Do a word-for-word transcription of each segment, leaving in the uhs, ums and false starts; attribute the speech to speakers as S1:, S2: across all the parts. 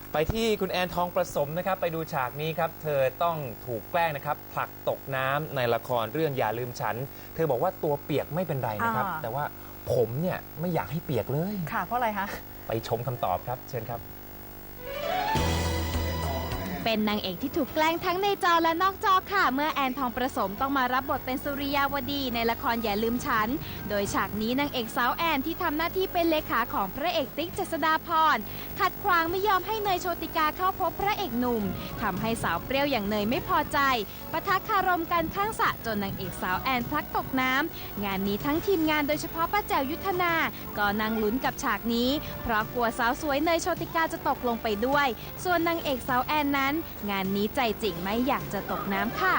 S1: ไปที่คุณแอนทองประสมนะครับไปดูฉากนี้ครับเธอต้องถูกแกล้งนะครับผลักตกน้ำในละครเรื่องอย่าลืมฉันเธอบอกว่าตัวเปียกไม่เป็นไรนะครับแต่ว่าผมเนี่ยไม่อยากให้เปียกเลย
S2: ค่ะเพราะอะไรคะ
S1: ไปชมคำตอบครับเชิญครับ
S3: เป็นนางเอกที่ถูกแกล้งทั้งในจอและนอกจอค่ะเมื่อแอนทองประสมต้องมารับบทเป็นสุริยาวดีในละครอย่าลืมฉันโดยฉากนี้นางเอกสาวแอนที่ทำหน้าที่เป็นเลขาของพระเอกติ๊กเจษฎาพรขัดขวางไม่ยอมให้เนยโชติกาเข้าพบพระเอกหนุ่มทำให้สาวเปรี้ยวอย่างเนยไม่พอใจปะทะคารมกันข้างสระจนนางเอกสาวแอนพลัดตกน้ำงานนี้ทั้งทีมงานโดยเฉพาะป้าแจ๋วยุทธนาก็นั่งลุ้นกับฉากนี้เพราะกลัวสาวสวยเนยโชติกาจะตกลงไปด้วยส่วนนางเอกสาวแอนนั้นงานนี้ใจจริงไม่อยากจะตกน้ำค่ะ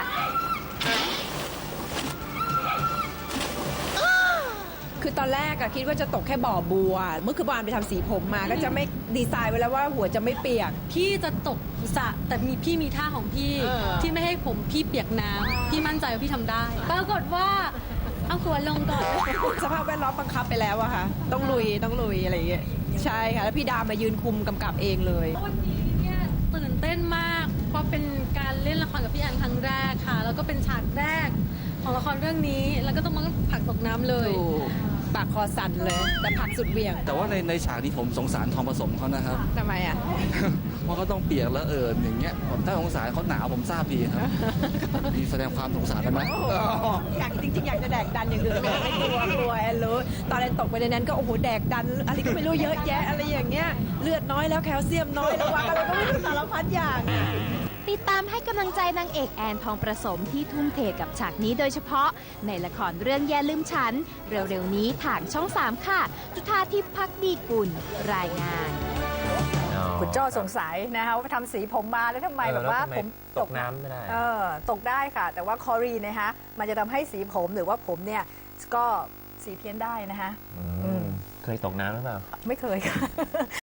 S4: คือตอนแรกอะคิดว่าจะตกแค่บ่อบัวเมื่อคืนวานไปทำสีผมมาก็จะไม่ดีไซน์ไว้แล้วว่าหัวจะไม่เปียก
S5: พี่จะตกสระแต่มีพี่มีท่าของพี่ที่ไม่ให้ผมพี่เปียกน้ำพี่มั่นใจว่าพี่ทำได้ปรากฏว่าเอาหัวลงก่อน
S4: สภาพแวดล้อมบังคับไปแล้วอะค่ะต้องลุยต้องลุยอะไรอย่างเงี้ยใช่ค่ะแล้วพี่ดามายืนคุมกำกับเองเลย
S5: วันนี้เนี่ยตื่นเต้นมากเพราะเป็นการเล่นละครกับพี่แอนครั้งแรกค่ะแล้วก็เป็นฉากแรกของละครเรื่องนี้แล้วก็ต้องมาผลักตกน้ำเลย
S4: ปากคอสั่นเลยแต่ผักสุดเวียง
S6: แต่ว่าในในฉากนี้ผมสงสารทองผสมเขานะครับ
S4: ทำไมอ่ะ
S6: เพราะเขาต้องเปียกแล้วเอิญอย่างเงี้ยผมถ้าสงสารเขาหนาวผมทราบดีครับมีแสดงความสงสารกันไหม
S4: อยากจริงๆอยากจะแดกดันอย่างอื่นไม่กลัวกลัวแอนรู้ตอนแอนตกไปในนั้นก็โอ้โหแดกดันอะไรก็ไม่รู้เยอะแยะอะไรอย่างเงี้ยเลือดน้อยแล้วแคลเซียมน้อยแล้วว่าอะไรก็ไม่รู้สารพัดอย่าง
S3: ติดตามให้กำลังใจนางเอกแอนทองประสมที่ทุ่มเทกับฉากนี้โดยเฉพาะในละครเรื่องอย่าลืมฉันเร็วๆนี้ทางช่องสามค่ะจุฑาทิพย์ภักดีกุลรายงาน
S2: คุณโจ้สงสัยนะคะว่าทำสีผมมาแล้วทำไมแบบว่าผม
S1: ตกน้ำไม่ได้
S2: เออตกได้ค่ะแต่ว่าคอรีนะคะมันจะทำให้สีผมหรือว่าผมเนี่ยก็สีเพี้ยนได้นะคะ
S1: เคยตกน้ำหรือเปล่า
S2: ไม่เคยค่ะ